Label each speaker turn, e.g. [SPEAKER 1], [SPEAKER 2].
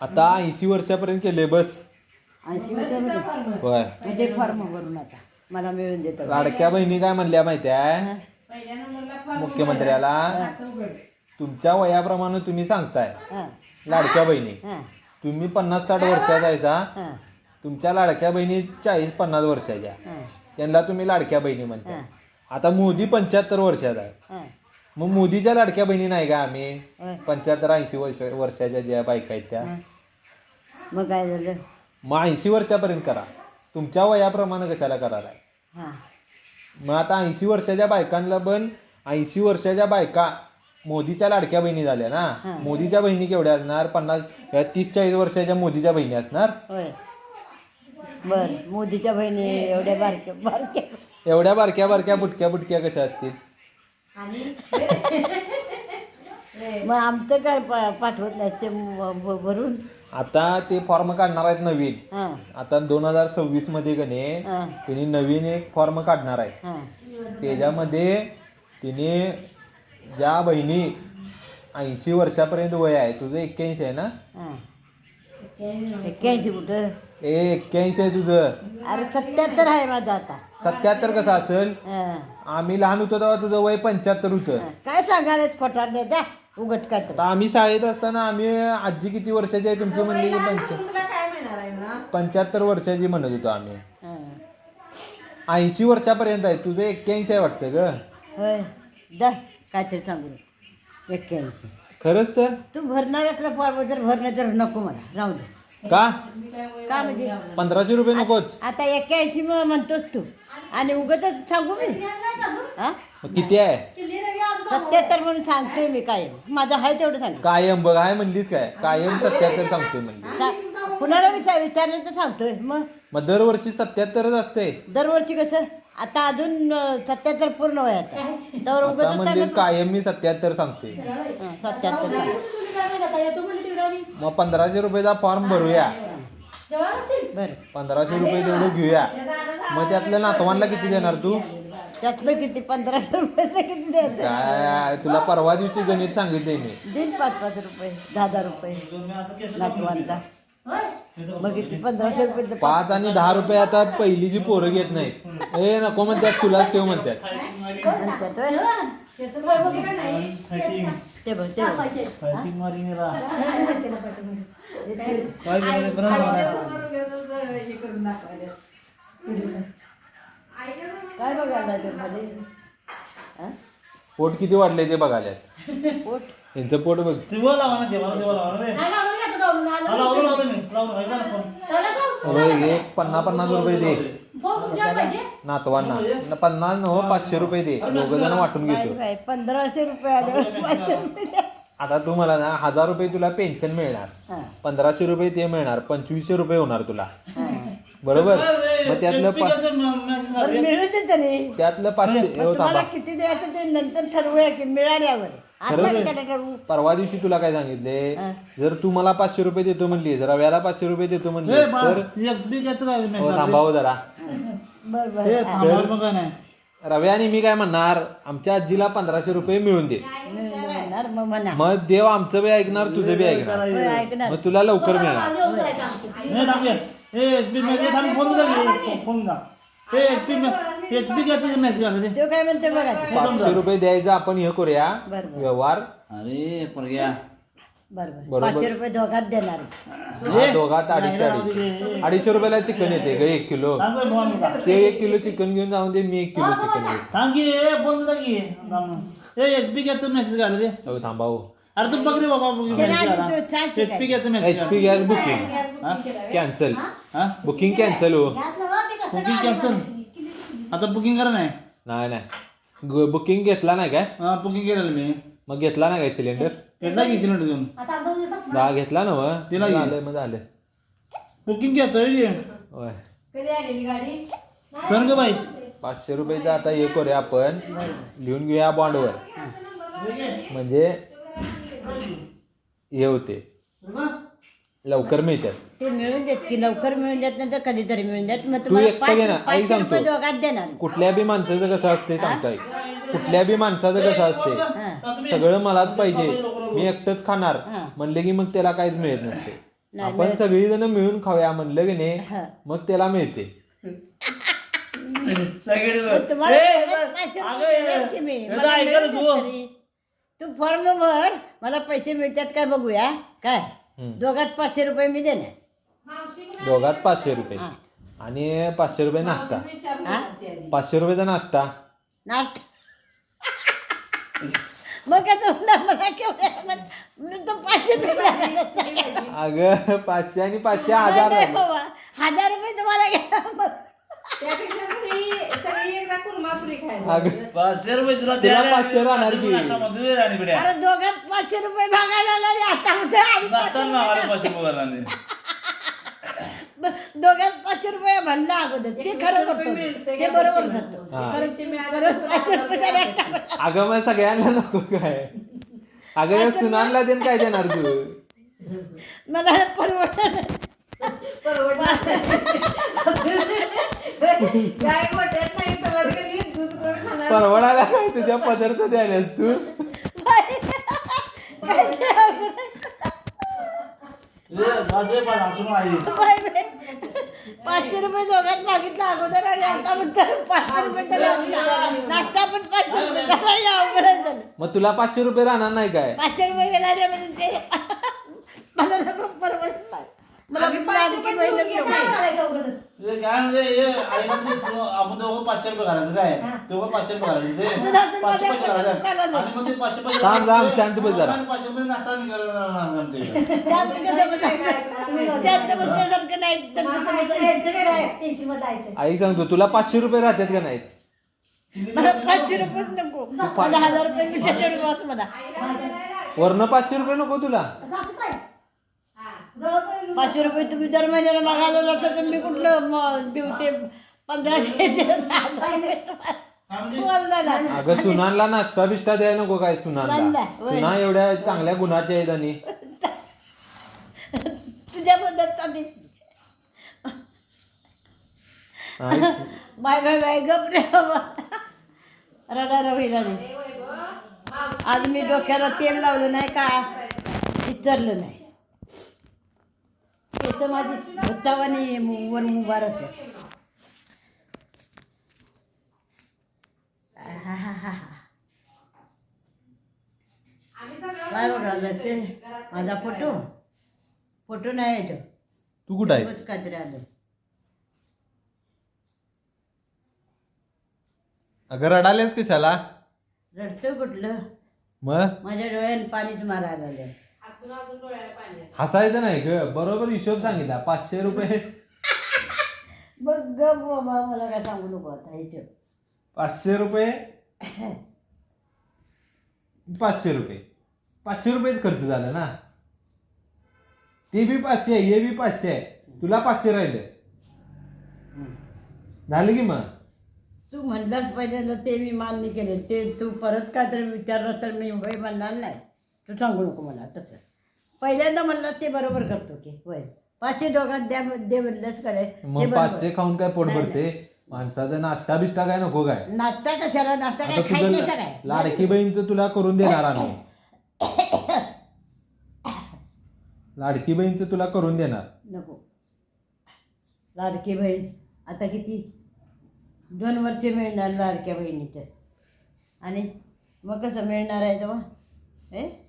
[SPEAKER 1] आता 80 वर्षापर्यंत केले बस.
[SPEAKER 2] 80 वर्षामध्ये
[SPEAKER 1] होय.
[SPEAKER 2] म्हणजे फॉर्म भरून आता मला मिळून देतात.
[SPEAKER 1] लाडक्या बहिणी काय म्हणल्या माहिती आहे मुख्यमंत्र्याला, तुमच्या वयाप्रमाणे तुम्ही सांगताय
[SPEAKER 2] हां
[SPEAKER 1] लाडक्या बहिणी,
[SPEAKER 2] हां
[SPEAKER 1] तुम्ही 50-60 वर्षाचा आहेसा,
[SPEAKER 2] हां
[SPEAKER 1] तुमच्या लाडक्या बहिणी 40-50 वर्षाच्या,
[SPEAKER 2] हां
[SPEAKER 1] त्यांना तुम्ही लाडक्या बहिणी म्हणता.
[SPEAKER 2] हां
[SPEAKER 1] आता मोदी 75 वर्षाचा आहे,
[SPEAKER 2] हां
[SPEAKER 1] मग मोदीच्या लाडक्या बहिणी नाही का आम्ही?
[SPEAKER 2] होय.
[SPEAKER 1] 75-80 वर्षाच्या ज्या बायका आहेत त्या.
[SPEAKER 2] हां. मग काय झालं?
[SPEAKER 1] मग 80 वर्षापर्यंत करा, तुमच्या वयाप्रमाणे कशाला करायला आहे?
[SPEAKER 2] हां
[SPEAKER 1] मग आता 80 वर्षाच्या बायकांना पण 80 वर्षाच्या बायका मोदीच्या लाडक्या बहिणी झाल्या ना.
[SPEAKER 2] हां.
[SPEAKER 1] मोदीच्या बहिणी केवढ्या असणार? 30-40 वर्षाच्या मोदीच्या बहिणी असणार.
[SPEAKER 2] होय. बर मोदीच्या बहिणी एवढ्या बारक्या बारक्या
[SPEAKER 1] एवढ्या बारक्या बारक्या बुटक्या बुटक्या कशा असतील?
[SPEAKER 2] मग आमचं काय पाठवत नाही ते भरून.
[SPEAKER 1] आता ते फॉर्म काढणार आहेत नवीन.
[SPEAKER 2] हां
[SPEAKER 1] आता 2026 मध्ये कने
[SPEAKER 2] हां
[SPEAKER 1] तिने नवीन एक फॉर्म काढणार आहे.
[SPEAKER 2] हां
[SPEAKER 1] त्याच्यामध्ये तिने ज्या बहिणी 80 वर्षापर्यंत वय आहे, तुझं 81 आहे ना?
[SPEAKER 2] हां 81 कुठं?
[SPEAKER 1] 81 आहे तुझं.
[SPEAKER 2] अरे 77 आहे माझं आता.
[SPEAKER 1] 77 कसं असेल?
[SPEAKER 2] हां
[SPEAKER 1] आम्ही लहान होतो तेव्हा तुझं वय 75 होतं.
[SPEAKER 2] काय सांगायलाच खोटार नाही द्या उगत काय तर.
[SPEAKER 1] आता आम्ही शाळेत असताना आम्ही आजी किती वर्षाची आहे तुमची म्हणली की 75 वर्षाची म्हणत होतो आम्ही.
[SPEAKER 2] हां
[SPEAKER 1] 80 वर्षापर्यंत आहे, तुझं 81 आहे वाटतं ग.
[SPEAKER 2] होय द्या काहीतरी सांगू 81.
[SPEAKER 1] खरंच तर?
[SPEAKER 2] तू भरणार असला फॉर्म जर भरणं तर नको मला राहू दे.
[SPEAKER 1] का?
[SPEAKER 2] का म्हणजे
[SPEAKER 1] 1500 रुपये नकोत?
[SPEAKER 2] आता 81 म्हणतोस तू आणि उगत सांगू मी हां
[SPEAKER 1] मग किती आहे?
[SPEAKER 2] 77 म्हणून सांगतोय मी काय माझं आहे तेवढं सांग.
[SPEAKER 1] कायम बघ आहे म्हणलीच काय? कायम 77 सांगतोय म्हणली.
[SPEAKER 2] कुणाला विचारलं तर सांगतोय. मग
[SPEAKER 1] दरवर्षी 77च असते.
[SPEAKER 2] दरवर्षी कसं आता अजून 77 पूर्ण वय आता तर
[SPEAKER 1] आता
[SPEAKER 2] उगत
[SPEAKER 1] म्हणजे कायम मी 77 सांगतोय.
[SPEAKER 2] 77.
[SPEAKER 1] मग 1500 रुपयाचा फॉर्म भरूया.
[SPEAKER 2] बरं
[SPEAKER 1] 1500 रुपये तेवढं घेऊया. मग त्यातल्या नातवांना किती देणार तू?
[SPEAKER 2] त्यातलं किती 1500 रुपये किती द्यायचं?
[SPEAKER 1] काय तुला परवा दिवशी गणित सांगितले मी.
[SPEAKER 2] देईन 5-5 रुपये 10,000 रुपये नातवांचा. मग किती 1500 रुपये
[SPEAKER 1] 5 आणि 10 रुपये आता पहिली जी पोरं घेत नाहीत. ए नको म्हणतात, तुलाच ठेव म्हणतात.
[SPEAKER 2] म्हणतात होय? ते बघ ते काय बघायला ते मध्ये हां
[SPEAKER 1] पोट किती वाढले ते बघायला.
[SPEAKER 2] पोट
[SPEAKER 1] यांचं पोट बघ. एक 50-50 रुपये दे नातवांना. 50 नो 500 रुपये दे, दोघं जण वाटून घेतो.
[SPEAKER 2] 1500 रुपये आले 500 रुपये द्या.
[SPEAKER 1] आता तू मला ना 1000 रुपये तुला पेन्शन मिळणार,
[SPEAKER 2] हां
[SPEAKER 1] 1500 रुपये ते मिळणार, 2500 रुपये होणार तुला,
[SPEAKER 2] हां
[SPEAKER 1] बरोबर? मग त्यातलं
[SPEAKER 2] बरं मिळू दे तरी.
[SPEAKER 1] त्यातलं 500
[SPEAKER 2] मग तुम्हाला किती द्यायचं ते नंतर ठरवूया की मिळाल्यावर. आता कशाला ठरवू?
[SPEAKER 1] परवा दिवशी तुला काय सांगितले,
[SPEAKER 2] हां.
[SPEAKER 1] जर तू मला 500 रुपये देतो म्हणली, जर रव्याला 500 रुपये देतो म्हणली तर थांबावं जरा.
[SPEAKER 2] बरं बरं
[SPEAKER 1] रव्या आणि मी काय म्हणणार, आमच्या आजीला 1500 रुपये मिळून दे.
[SPEAKER 2] म्हणणार मग म्हणा
[SPEAKER 1] मग देव आमचं बी ऐकणार, तुझं बी ऐकणार.
[SPEAKER 2] होय, ऐकणार.
[SPEAKER 1] मग तुला लवकर मिळणार.
[SPEAKER 2] तो काय म्हणते बघा ते.
[SPEAKER 1] 500 रुपये द्यायचं, आपण हे करूया
[SPEAKER 2] बरं बरं
[SPEAKER 1] व्यवहार.
[SPEAKER 2] बरं बरं
[SPEAKER 1] बरोबर.
[SPEAKER 2] 500 रुपये दोघात देणार.
[SPEAKER 1] हा, दोघात 250 रुपयाला चिकन येते ग 1 किलो. ते 1 किलो चिकन घेऊन जाऊन दे, मी 1 किलो चिकन घेतो. हो थांबा हो.
[SPEAKER 3] अरे तू बघ रे बाबा
[SPEAKER 1] HP gas booking cancel. Booking cancel हो.
[SPEAKER 3] Booking cancel. आता बुकिंग करा नाही.
[SPEAKER 1] नाही बुकिंग घेतला नाही काय?
[SPEAKER 3] बुकिंग केलं मी.
[SPEAKER 1] मग घेतला नाही काय सिलेंडर?
[SPEAKER 3] घेतला की सिलेंडर घेऊन
[SPEAKER 1] घेतला ना मग
[SPEAKER 3] तिला घे.
[SPEAKER 1] झालं मग झालं.
[SPEAKER 3] बुकिंग घेतोय
[SPEAKER 1] होय
[SPEAKER 3] चल ग बाई.
[SPEAKER 1] 500 रुपयाचं आता हे करूया आपण, लिहून घेऊया बॉन्डवर, म्हणजे हे होते लवकर मिळतात.
[SPEAKER 2] ते मिळून देत की लवकर मिळून देत नाही तर कधीतरी मिळून देत. मग
[SPEAKER 1] तू
[SPEAKER 2] तुम्हाला
[SPEAKER 1] एकटं घे ना, आई
[SPEAKER 2] 500 रुपये
[SPEAKER 1] सांगतो.
[SPEAKER 2] दोघात देणार.
[SPEAKER 1] कुठल्या बी माणसाचं कसं असते सांगताय, कुठल्या बी माणसाचं कसं असते,
[SPEAKER 2] हां
[SPEAKER 1] सगळं मलाच पाहिजे, मी एकटंच खाणार
[SPEAKER 2] हां.
[SPEAKER 1] म्हणले की मग त्याला काहीच मिळत नसते.
[SPEAKER 2] नाही,
[SPEAKER 1] आपण सगळीजण मिळून खाऊया म्हणलं की नाही
[SPEAKER 2] हा.
[SPEAKER 1] मग त्याला मिळते.
[SPEAKER 3] सगळे
[SPEAKER 2] पण तुम्हाला
[SPEAKER 3] ए,
[SPEAKER 2] पैसे
[SPEAKER 3] अगं,
[SPEAKER 2] मिळतात की मी?
[SPEAKER 3] याचं
[SPEAKER 2] मला
[SPEAKER 3] ऐका ना
[SPEAKER 2] मिळतात
[SPEAKER 3] तू.
[SPEAKER 2] तरी. तू फॉर्म भर, मला पैसे मिळतात काय बघूया. काय दोघात 500 रुपये मी देणार.
[SPEAKER 1] दोघात 500 रुपये
[SPEAKER 2] हा.
[SPEAKER 1] आणि 500 रुपये नाश्ता.
[SPEAKER 2] हा?
[SPEAKER 1] 500 रुपयाचा नाश्ता.
[SPEAKER 2] नाट मग काय तुम्हाला मला केवढ्या तो 500 रुपये
[SPEAKER 1] अगं 500 आणि 500 1000
[SPEAKER 2] नाही
[SPEAKER 1] झाले.
[SPEAKER 2] बाबा, 1000 रुपये तुम्हाला घ्या मग.
[SPEAKER 4] त्यापेक्षा सगळी एकदा कुर्मापुरी खायला.
[SPEAKER 1] अगं
[SPEAKER 3] 500 रुपये तुला
[SPEAKER 1] तिला 500 राहणार की?
[SPEAKER 3] मध्ये आणि पिढ्या
[SPEAKER 2] अरे दोघात 500 रुपये भागायला लागले आता म्हणते आणि 500
[SPEAKER 3] नाश्ता मागायला
[SPEAKER 2] रुपये
[SPEAKER 3] 500 रुपये भरला.
[SPEAKER 2] दोघात 500 रुपये म्हणलं अगोदर ते खरं करतो
[SPEAKER 4] मिळते
[SPEAKER 2] ते
[SPEAKER 4] का
[SPEAKER 2] बरोबर
[SPEAKER 4] पैसे?
[SPEAKER 2] करतो
[SPEAKER 1] हा.
[SPEAKER 2] खरंच ते खरंच 500 रुपये नाश्ता म्हणला.
[SPEAKER 1] अगं मग सगळ्यांना नको काय. अगं सुनानला देन काय देणार तू.
[SPEAKER 2] मला परवडलं
[SPEAKER 4] गाय गोठ्यात नाही तर कधी दूध करून खाणार.
[SPEAKER 1] परवडायला काय तुझ्या पदार्थ द्यायलास तू.
[SPEAKER 2] काय ते अवघड आहे. बाई, बाई. 500 रुपये दोघात मागितलं अगोदर आणि आता म्हणतात 500 रुपये तरी नाश्ता पण 500 रुपये झाला. अवघड झालं.
[SPEAKER 1] मग तुला 500 रुपये राहणार नाही काय.
[SPEAKER 2] 500 रुपये गेला म्हणून ते मला नको परवडत नाही. मला
[SPEAKER 4] आम्ही
[SPEAKER 2] कुठलं
[SPEAKER 4] 500
[SPEAKER 2] आणखी
[SPEAKER 4] पण
[SPEAKER 2] महिना
[SPEAKER 4] घेऊन
[SPEAKER 2] घेऊन
[SPEAKER 4] घालायचं उगाचच.
[SPEAKER 3] काय म्हणजे आपण दोघं 500 रुपये घालायचं काय दोघं 500 रुपये घालायचं ते
[SPEAKER 2] अजून अजून
[SPEAKER 3] 500
[SPEAKER 2] माझ्या
[SPEAKER 3] पैसे घालायचं
[SPEAKER 2] दुकानाला.
[SPEAKER 3] आणि मग ते 500 पैसे
[SPEAKER 1] थांब, थांब, शांत बस जरा.
[SPEAKER 3] 500 रुपये नाश्ता निघाला
[SPEAKER 2] शांत कसं बसायचं? शांत बसण्यासारखं नाही तर कसं बसायचं?
[SPEAKER 4] यायचं वेगळं आहे, त्यांची मत जायचं.
[SPEAKER 1] आई सांगतो तुला 500 रुपये राहतात का नाहीत.
[SPEAKER 2] मला 500 रुपयेच नको. मला 1000 रुपये मी त्याच्यावर बस मला.
[SPEAKER 1] वरनं 500 रुपये नको तुला.
[SPEAKER 2] 500 रुपये तुम्ही दर महिन्याला मागायला लागतं तर मी कुठलं देऊ ते 1500 दिलं तर 1000 रुपये तुम्हाला जाणार.
[SPEAKER 1] अगं सुनानला नाश्ता बिष्टा द्याय नको काय सुनानला.
[SPEAKER 2] सुनानला, होय.
[SPEAKER 1] सुना एवढ्या चांगल्या गुणाच्या आहेत आणि
[SPEAKER 2] तुझ्या पद्धत
[SPEAKER 1] आई,
[SPEAKER 2] बाय बाय बाय गप रे बाबा. रडायला होईल आणि आज मी डोक्याला तेल लावलं नाही का विचारलं नाही. केस माझी भुतावानी वर मुबारक आहे. काय बघायला ते माझा फोटो नाही येतो.
[SPEAKER 1] तू कुठं आहेस.
[SPEAKER 2] बस काहीतरी आलं.
[SPEAKER 1] अगं रडालेस कशाला.
[SPEAKER 2] रडतं कुठलं
[SPEAKER 1] मग
[SPEAKER 2] माझ्या डोळ्याने पाणीच मारायला लागलं.
[SPEAKER 1] हसायचं नाही ग. बरोबर हिशोब सांगितला. 500 रुपये
[SPEAKER 2] बघ ग बाबा मला काय सांगू नको आता इथे.
[SPEAKER 1] 500 रुपये 500 रुपये 500 रुपयेच खर्च झाला ना. ते बी 500 आहे हे बी 500 आहे. तुला 500 राहिले झालं की मग.
[SPEAKER 2] तू म्हणलाच पहिल्यांदा ते मी मान्य केले. ते तू परत काहीतरी विचारलं तर मी होय म्हणणार नाही. तू सांगू नको मला तसं. पहिल्यांदा म्हणलं ते बरोबर करतो की होय 500 दोघात द्या दे म्हणलंच करे.
[SPEAKER 1] मग 500 खाऊन काय पोट भरते. माणसाचा नाश्ता बिष्टा काय नको काय.
[SPEAKER 2] नाश्ता कशाला नाश्ता
[SPEAKER 1] आता
[SPEAKER 2] काय खायचं नाही का
[SPEAKER 1] तुझं
[SPEAKER 2] काय.
[SPEAKER 1] लाडकी बहीणचं तुला करून देणार आम्ही. लाडकी बहीणचं तुला करून देणार.
[SPEAKER 2] नको. लाडकी बहीण आता किती 2 वर्ष मिळणार लाडक्या बहिणीचं आणि मग कसं मिळणार आहे तेव्हा.